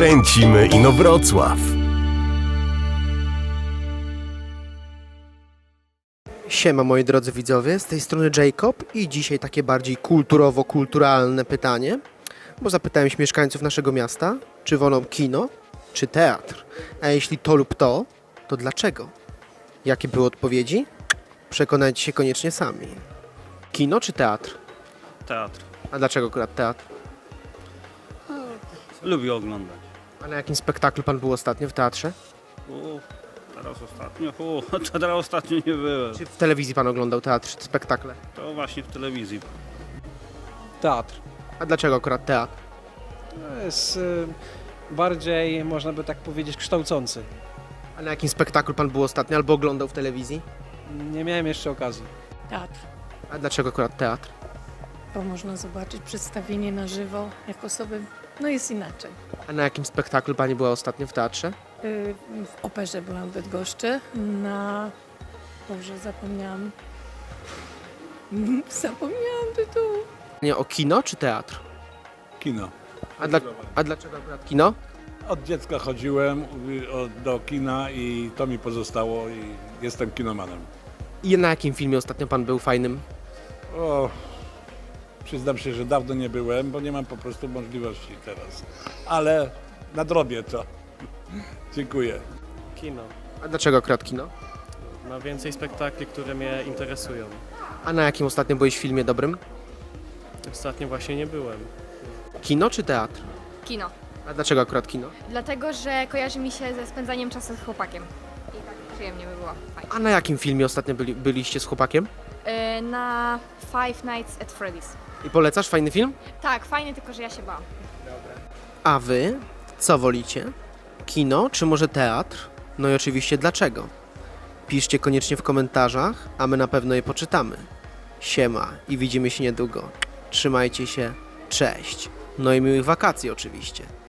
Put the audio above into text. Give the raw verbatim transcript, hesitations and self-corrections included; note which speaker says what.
Speaker 1: Kręcimy Inowrocław.
Speaker 2: Siema moi drodzy widzowie, z tej strony Jacob i dzisiaj takie bardziej kulturowo-kulturalne pytanie, bo zapytałem się mieszkańców naszego miasta, czy wolą kino, czy teatr, a jeśli to lub to, to dlaczego? Jakie były odpowiedzi? Przekonajcie się koniecznie sami. Kino czy teatr?
Speaker 3: Teatr.
Speaker 2: A dlaczego akurat teatr?
Speaker 3: Lubię oglądać.
Speaker 2: A na jakim spektaklu pan był ostatnio w teatrze?
Speaker 3: O, teraz ostatnio, o, to teraz ostatnio nie byłem.
Speaker 2: Czy w telewizji pan oglądał teatr, czy spektakle?
Speaker 3: To właśnie w telewizji.
Speaker 4: Teatr.
Speaker 2: A dlaczego akurat teatr?
Speaker 4: To jest y, bardziej, można by tak powiedzieć, kształcący.
Speaker 2: A na jakim spektaklu pan był ostatnio albo oglądał w telewizji?
Speaker 4: Nie miałem jeszcze okazji.
Speaker 5: Teatr,
Speaker 2: A dlaczego akurat teatr?
Speaker 5: bo można zobaczyć przedstawienie na żywo, jak osoby, no jest inaczej.
Speaker 2: A na jakim spektaklu pani była ostatnio w teatrze?
Speaker 5: Y, W operze byłam w Bydgoszczy, na... Boże, zapomniałam. Zapomniałam tytułu.
Speaker 2: Nie, o kino czy teatr?
Speaker 6: Kino.
Speaker 2: A, dla, a dlaczego akurat kino?
Speaker 6: Od dziecka chodziłem y, o- do kina i to mi pozostało i jestem kinomanem.
Speaker 2: I na jakim filmie ostatnio pan był fajnym?
Speaker 6: O, przyznam się, że dawno nie byłem, bo nie mam po prostu możliwości teraz. Ale nadrobię to. Dziękuję.
Speaker 7: Kino.
Speaker 2: A dlaczego akurat kino?
Speaker 7: Ma więcej spektakli, które mnie interesują.
Speaker 2: A na jakim ostatnio byłeś filmie dobrym?
Speaker 7: Ostatnio właśnie nie byłem.
Speaker 2: Kino czy teatr?
Speaker 8: Kino.
Speaker 2: A dlaczego akurat kino?
Speaker 8: Dlatego, że kojarzy mi się ze spędzaniem czasu z chłopakiem. I tak przyjemnie by było. Fajnie.
Speaker 2: A na jakim filmie ostatnio byli, byliście z chłopakiem?
Speaker 8: Yy, na Five Nights at Freddy's.
Speaker 2: I polecasz fajny film?
Speaker 8: Tak, fajnie, tylko że ja się bałam.
Speaker 2: A wy? Co wolicie? Kino czy może teatr? No i oczywiście dlaczego? Piszcie koniecznie w komentarzach, a my na pewno je poczytamy. Siema i widzimy się niedługo. Trzymajcie się, cześć. No i miłych wakacji oczywiście.